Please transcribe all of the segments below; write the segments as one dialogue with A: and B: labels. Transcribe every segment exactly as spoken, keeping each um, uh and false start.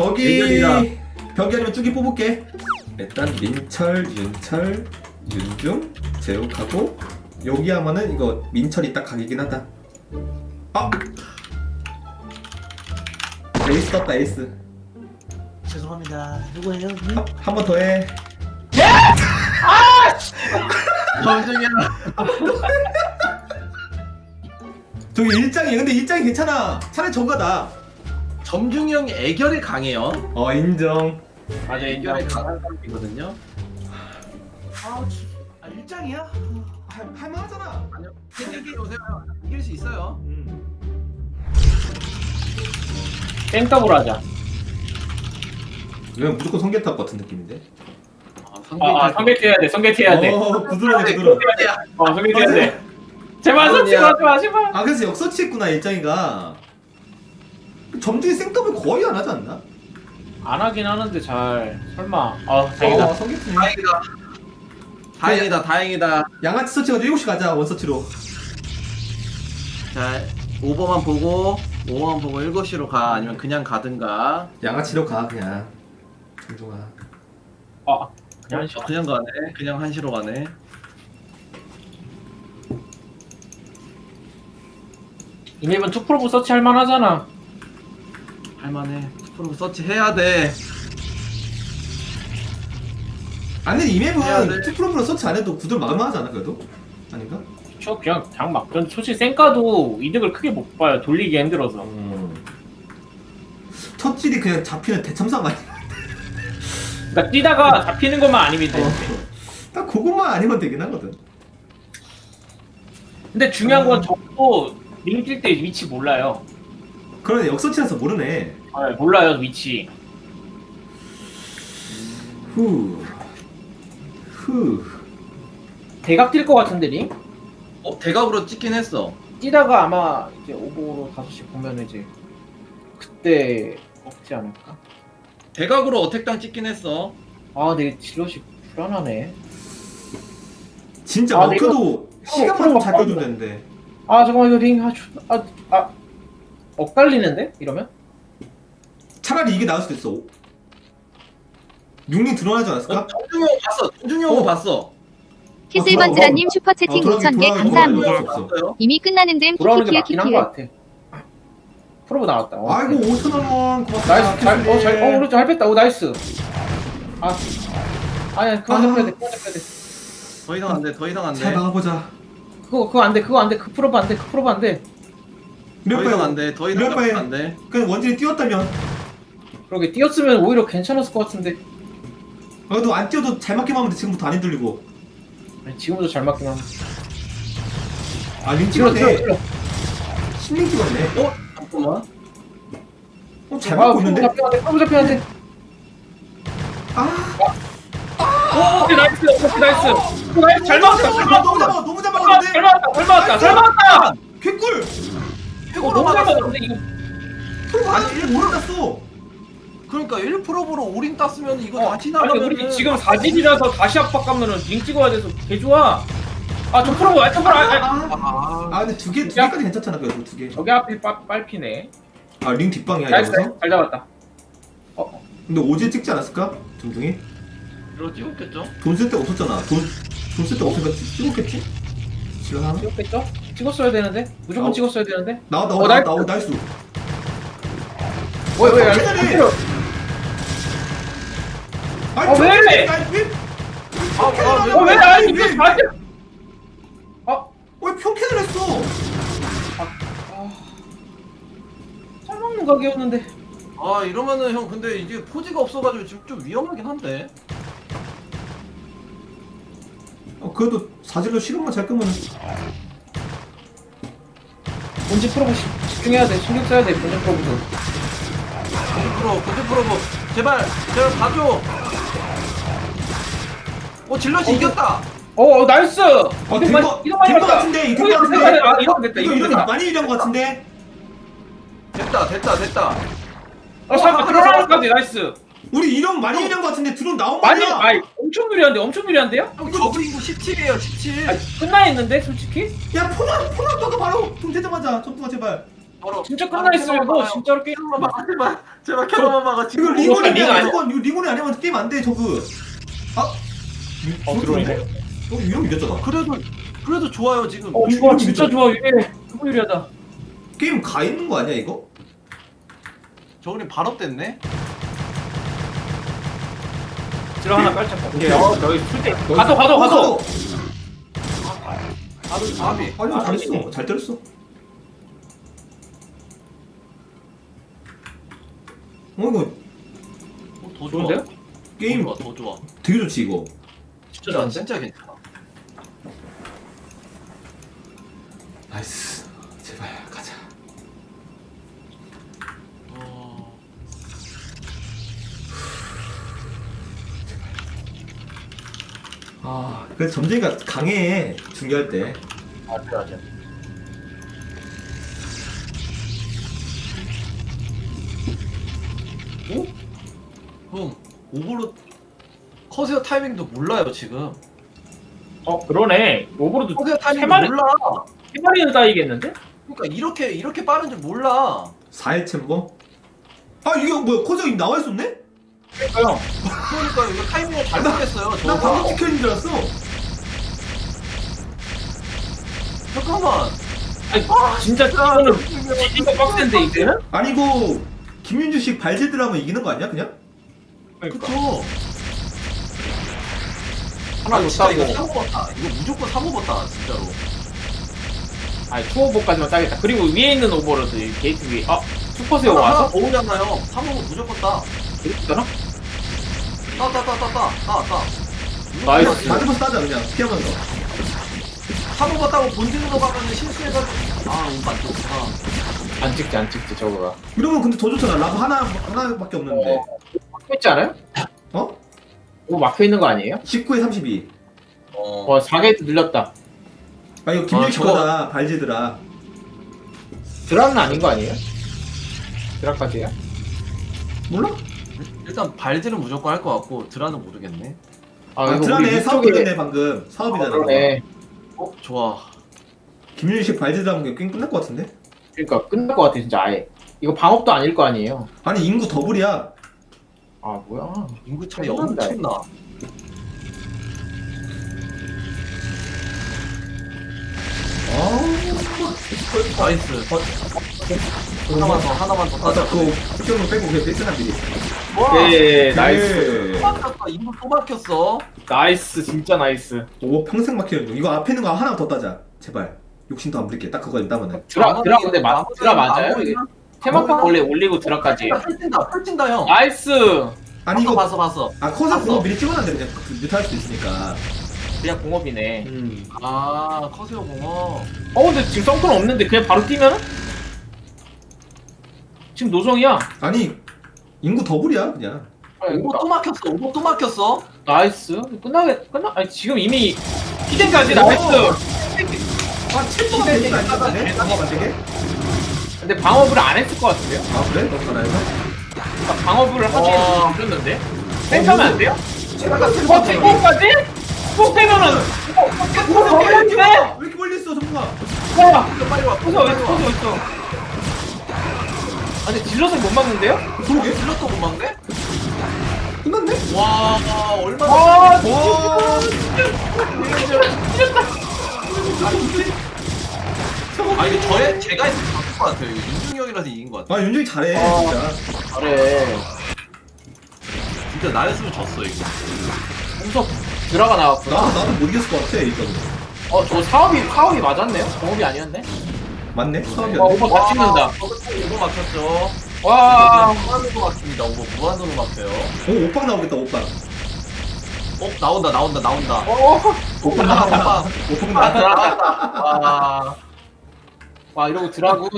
A: 여기
B: 대결이다.
A: 벽이 아니면 쭈기 뽑을게. 일단 민철, 윤철, 윤중, 제욱하고 여기 하면은 이거 민철이 딱 각이긴 하다. 아! 에이스 떴다 에이스.
C: 죄송합니다. 누구예요?
A: 한 번 더 해.
B: 점중이야.
A: 저기 일장이 근데 일장이 괜찮아. 차라리 저거다.
B: 점중이 형이 애결이 강해요.
A: 어 인정.
B: 맞아, 애결이 강한 사람이거든요.
C: 아, 아 일장이야?
A: 할, 할만하잖아.
B: 아니요. 이길 오세요. 이길 수 있어요.
A: 음.
D: 땡더블 하자.
A: 이건 무조건 성게 탈 것 같은 느낌인데.
B: 아,
D: 아, 아 성게트 해야 돼. 성게트 해야 돼.
A: 어 부드러워 부드러워.
D: 어, 성게트 해야 돼. 제발 성게트 하지 마, 제발.
A: 아 그래서 역서치했구나 일장이가. 점중이 생더블 거의 안 하지 않나?
D: 안 하긴 하는데 잘. 설마. 아, 다행이다.
A: 어 성게트네.
B: 다행이다. 다행이다. 다행이다.
A: 양아치 서치가 일곱 시 가자 원서치로.
B: 자, 오버만 보고 오버만 보고 일곱 시로 가. 아니면 그냥 가든가.
A: 양아치로 가 그냥. 점중아.
D: 아, 그냥 한 시간.
B: 그냥 가네. 그냥 한시로 가네.
D: 이 맵은 투 프로브 서치 할만 하잖아.
B: 할만해. 프로 서치 해야 돼.
A: 아니 이
B: 해야
A: 맵은
B: 돼.
A: 투 프로브로 서치 안 해도 구들 막을만 하지 않아 그래도? 아닌가?
D: 저 그냥 그냥 막. 전 솔직히 쌩까도 이득을 크게 못 봐요. 돌리기 힘들어서.
A: 음. 첫 질이 그냥 잡히는 대참상 아니야?
D: 그러니까 뛰다가 잡히는 것만 아니면 돼.
A: 어. 딱 그것만 아니면 되긴 하거든.
D: 근데 중요한
A: 음.
D: 건 저도 링 뛸 때 위치 몰라요.
A: 그러네 역서치라서 모르네.
D: 아, 몰라요 위치.
A: 후. 후.
D: 대각 뛸 것 같은데 링?
B: 어, 대각으로 찍긴 했어.
D: 뛰다가 아마 이제 오버로 다섯 시 보면 이제 그때 먹지 않을까?
B: 대각으로 어택당 찍긴 했어.
D: 아, 근데 질럿이 불안하네.
A: 진짜
D: 아, 근데
A: 먹혀도 시간만 좀
D: 프로가
A: 잘 껴주면 되는데.
D: 아, 잠깐만 이거 링 아주 아, 아 엇갈리는데 이러면?
A: 차라리 이게 나을 수도 있어. 육링 드러나지 않았을까?
B: 어, 정중이 형 봤어. 정중이 형은
A: 어.
B: 봤어.
E: 키슬번즈라님 슈퍼채팅
A: 어, 돌아가기,
E: 오천 개
A: 돌아가기,
E: 감사합니다.
A: 돌아가기. 없어.
B: 봤어요.
E: 이미 끝나는 듯
D: 돌아오는 게
E: 키키키에
D: 맞긴 한
E: 키키에.
D: 것 같아. 프로브 나왔다. 어,
A: 아이고 오천 원 고맙다.
D: 나이스. 잘, 어, 잘, 어, 그렇죠. 잘 뺐다. 오, 나이스. 아, 아니야, 그만
A: 아.
D: 잡혀야 돼. 그만 잡혀야 돼.
B: 더 이상 안 돼. 더 이상 안 돼.
A: 잘 막아보자.
D: 그거, 그거 안 돼. 그거 안 돼. 그 프로브 안 돼. 그 프로브 안 돼.
A: 몇
B: 더 이상 안
A: 번?
B: 돼. 더 이상
A: 몇 번에?
B: 안 돼.
A: 그냥 원진이 뛰었다면.
D: 그러게 뛰었으면 오히려 괜찮았을 것 같은데.
A: 그래도 안 뛰어도 잘 맞기만 하면 돼. 지금부터 안 힘들리고.
D: 아니, 지금부터 잘 맞긴 하네.
A: 아 링
D: 찔러, 찔러,
A: 찍었네.
D: 찔러.
A: 십링 찍었네.
B: 어? 잠깐만.
A: 어, 잘
D: 아,
A: 맞고
D: 프로브
A: 있는데?
D: 잡혀야 돼. 프로브 잡혀야 돼.
A: 아,
D: 오, 오케이, 나이스. 오케이, 나이스. 오, 나이스. 잘 맞았다. 잘
A: 너무
D: 맞았다.
A: 잡아, 너무 잘
D: 잘
A: 막았는데?
D: 맞았다. 잘 맞았다. 잘 맞았다.
A: 개꿀!
D: 어, 너무 잘 맞았는데 이거.
A: 프로브 아직 일 몰랐어.
B: 그러니까 일 프로브로 올인 땄으면 이거
D: 어,
B: 다
D: 아니
B: 지나가면
D: 우리 지금 사 질이라서 다시 압박 가면은 링 찍어야 돼서 개 좋아. 아, 저 프로브, 아, 저 프로브, 아, 아.
B: 아,
A: 아 근데 두 개, 두 개까지 괜찮잖아 그래도 두 개.
D: 저기 앞에 빨, 빨피네.
A: 아 링 뒷방이야
D: 나이스,
A: 여기서?
D: 잘 잡았다. 어, 어.
A: 근데 오지에 찍지 않았을까? 점중이?
B: 이거 찍었겠죠?
A: 돈 쓸 데가 없었잖아. 돈 돈 쓸 데가 없으니까 찍- 찍었겠지? 지금
D: 찍었겠죠? 찍었어야 되는데? 무조건
A: 어.
D: 찍었어야 되는데?
A: 나와 나와
D: 어,
A: 나와
D: 나이스.
A: 나와 나이스.
D: 왜, 왜, 안
A: 캐널이!
D: 때려?
A: 아니
D: 어, 왜?
A: 아니, 왜?
B: 아, 아, 왜,
D: 어, 왜, 아니, 이거
A: 왜?
D: 나한테. 어,
A: 왜 평캔을 했어?
D: 아. 잘 먹는 각이었는데.
B: 아, 이러면은 형 근데 이게 포지가 없어가지고 지금 좀 위험하긴 한데.
A: 어, 그래도 사질로 시간만 잘 끄면
D: 본진 프로브 시- 집중해야 돼. 신경 써야 돼, 본진 프로브도.
B: 고지 프로, 고지 프로브. 제발, 제발 봐줘. 어, 질럿이 이겼다.
D: 어, 어, 나이스!
A: 어,
D: 이득
A: 된
D: 많이-
A: 거,
D: 이득 많이
A: 된 거
D: 봤다.
A: 같은데? 이거
D: 이거
A: 된거 같은데?
D: 됐다, 아, 이거 됐다,
A: 이거
D: 이거
A: 이거
D: 됐다.
A: 많이 유리한 거 같은데?
B: 됐다, 됐다, 됐다.
D: 어, 잠깐, 들어가까지 나이스.
A: 우리 이런 많이 유리한 거 같은데 드론 나온
D: 많이,
A: 말이야.
D: 아이, 엄청 유리한데, 엄청 유리한데요?
B: 형, 저그링고 십칠이에요, 십칠.
D: 아니, 끝나 있는데, 솔직히?
A: 야 포나 포나 아빠가 바로 돈 되자마자 점프가 제발.
B: 바로
D: 진짜 끝나 있어요 이거 진짜로 게임.
B: 캐논만 막아 제발 제발 캐논만 막아
A: 이거
B: 지금
A: 리곤이
D: 링
A: 아니야
D: 아니야?
A: 무조건 이거 리곤이 아니면 게임 안돼 저그. 아?
D: 어 들어오네.
A: 어 이러면 이겼잖아.
B: 그래도 그래도 좋아요 지금
D: 어 좋아 진짜 좋아 이게 너무 유리하다.
A: 게임 가 있는 거 아니야 이거?
B: 저글링 바로 뗐네.
D: 들어 하나 깔짝.
A: 오케이.
D: 어 저기 술때 가도 가도 가도.
B: 아비 아비
A: 아니
D: 아,
A: 잘했어.
D: 아니네.
A: 잘 때렸어. 어 이거
B: 어, 더 좋아.
D: 좋은데요?
A: 게임
B: 더 좋아 더 좋아.
A: 되게 좋지 이거.
D: 진짜
B: 진짜
D: 좋은데?
B: 진짜 괜찮아.
A: 나이스. 제발 가자.
B: 어...
A: 아 그래서 점쟁이가 강해 중요할 때.
D: 맞아 맞아.
B: 형 오버로 커세어 타이밍도 몰라요 지금.
D: 어 그러네. 오버로드
B: 커세어 타이밍도
D: 세 마리-
B: 몰라.
D: 세 마리는 따이겠는데?
B: 그러니까 이렇게 이렇게 빠른 줄 몰라.
A: 사 회 챔버? 아 이게 뭐야 코저기 나와 있었네?
D: 그러니까요.
B: 그러니까 이거 타이밍을 잘 모르겠어요.
A: 나
B: 저거.
A: 방금 찍혀 있는 줄 알았어.
B: 잠깐만.
D: 아니 진짜 이거는 진짜 빡센데 이제는?
A: 아니 이거 김윤주식 발제들 하면 이기는 거 아니야 그냥?
D: 그러니까.
B: 그쵸.
D: 하나
B: 아, 진짜 이거
D: 줬다고.
B: 사 먹었다. 이거 무조건 사 먹었다 진짜로.
D: 아니 투오버까지만 따겠다. 그리고 위에 있는 오버로드 이 게이트 위에. 아 슈퍼세어 와서?
B: 더 오잖아요. 사 먹으면 무조건 따.
D: 그랬잖아?
B: 따 따 따 따 따 따 따.
D: 나이스.
A: 맞으면서 따자 그냥 피하면서.
B: 사 먹었다고 본진으로 가면 실수해가지고. 아 이거 맞죠. 아.
D: 안 찍지 안 찍지 저거가.
A: 이러면 근데 더 좋잖아. 라브 하나 하나밖에 없는데.
D: 막혀 있지 않아요?
A: 어?
D: 이거 막혀 있는 거 아니에요?
A: 십구에 삼십이.
B: 어.
D: 와 사 게이트 늘렸다.
A: 아 이거 김윤식
B: 아, 저거-
A: 거다 발제들아.
D: 드랍은 아닌 거 아니에요? 드랍까지요?
A: 몰라?
B: 일단 발질은 무조건 할 것 같고 드라는 모르겠네.
D: 아,
A: 아,
D: 이거
A: 드라네
D: 우리
A: 사업
D: 위쪽에-
A: 되네 방금 사업이잖아.
D: 그러네.
B: 어 좋아.
A: 김윤식 발제들 하면 게임 끝날 것 같은데?
D: 그러니까 끝날 것 같아 진짜 아예. 이거 방업도 아닐 거 아니에요.
A: 아니 인구 더블이야.
D: 아 뭐야?
B: 인구 차이
D: 끝난다.
B: 엄청나.
A: 아,
B: 나이스. 하나만 더 하나만 더
A: 맞아
B: 따자.
A: 그거 피용을 빼고 그냥 뺄스나 미리.
B: 와.
D: 네 나이스.
A: 네.
B: 막혔다. 인구 또 막혔어.
D: 나이스 진짜 나이스.
A: 오 평생 막히는 중. 이거 앞에 있는 거 하나 더 따자. 제발. 욕심도 안 부릴게. 딱 그거 따면은.
D: 드랍 드랍 근데 마,
B: 나머지-
D: 드랍 맞아요?
B: 나머지-
D: 이게 테마판 원래 올리고 드랍까지.
B: 펼친다 펼친다 형.
D: 나이스.
A: 아니
B: 이거
A: 이거
B: 봤어 봤어.
A: 아 커서
B: 봤어.
A: 그거 미리 찍어놨는데 그냥 그 뮤트할 수도 있으니까.
D: 그냥 공업이네.
A: 음.
B: 아 커세어 공어.
D: 어 근데 지금 썬크는 없는데 그냥 바로 뛰면은? 지금 노성이야.
A: 아니 인구 더블이야 그냥.
B: 오버 또 막혔어. 오버 또 막혔어.
D: 나이스. 끝나게 끝나. 아니 지금 이미 히덴까지 나이스.
A: 아 챔버가 베이스 안 따다네? 방어 안 되게?
D: 근데 방업을 안 했을 것 같은데요?
A: 아 그래? 너무 잘해서?
D: 그러니까 방업을 하긴
B: 어.
D: 했는데. 땡하면 안 돼요?
A: 챔버가
D: 어
A: 챔버가
D: 탱커까지? 꼭 되면은. 어
A: 왜 이렇게
D: 네.
A: 왜 이렇게 멀리 있어 정부가?
D: 와.
B: 빨리 와.
D: 포서 어디 포서 있어? 아니 딜러서 못 막는데요?
A: 그러게?
B: 질럿도 못 막네?
A: 끝났네?
B: 와 얼마나.
D: 아
A: 와.
B: 아 이게 저의 제가 했으면 바꿀 것 같아요. 이거 윤중이 형이라서 이긴 것 같아.
A: 아 윤정이 잘해
D: 어.
A: 진짜.
D: 잘해.
B: 진짜 나였으면 졌어 이거.
D: 공석 드라가 나왔구나.
A: 나도 나도 못 이겼을 것 같아 이거.
D: 어저 사업이 사업이 맞았네요? 공업이 아니었네?
A: 맞네? 처음이야.
D: 와 오버 다 찍는다.
B: 오버 막혔죠.
D: 와.
B: 무한으로 막힙니다. 오버 무한으로 막혀요.
A: 오 오빵 나오겠다 오빵.
B: 어 나온다 나온다 나온다.
D: 어.
A: 오빵
B: 아,
A: 나왔다.
B: 오빵.
A: 오빵
D: 아
A: 나왔다.
D: 들어갔다. 와. 와 이러고 드라군.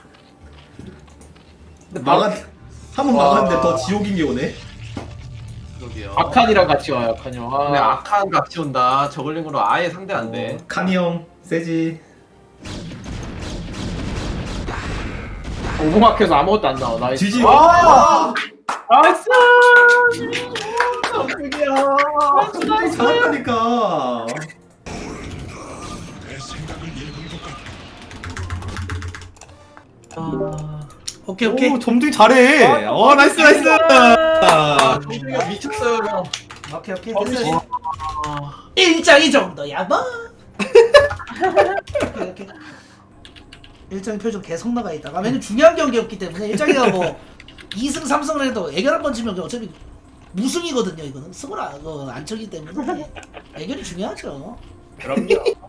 D: 근데
A: 막았 한번
D: 와.
A: 막았는데 더 지옥인 게 오네.
B: 그러게요.
D: 아칸이랑 같이 와요 아칸이 형.
B: 근데
D: 아.
B: 악한 같이 온다. 저글링으로 아예 상대 안 돼.
A: 어, 카니 형 세지.
D: 오버마켓에서 아무것도 안 나와. 나이스.
A: 지지.
D: 와. 나이스.
B: 깜짝이야.
A: 잘한다니까.
B: 오케이 오케이.
A: 오, 점중이 잘해. 어, 나이스, 나이스.
B: 아,
C: 정중이가 미쳤어요 형.
B: 오케이 오케이
C: 어,
B: 됐어.
C: 와.
B: 일장이 정도야 뭐. 오케이 오케이. 일장이 표정 계속 나가 있다. 아, 왜냐면 중요한 경기였기 때문에 일장이가 뭐 이 승 삼 승을 해도 애결 한 번 치면 어차피 무승이거든요. 이거는 승을 안, 어, 안 쳤기 때문에 애결이 중요하죠.
D: 그럼요.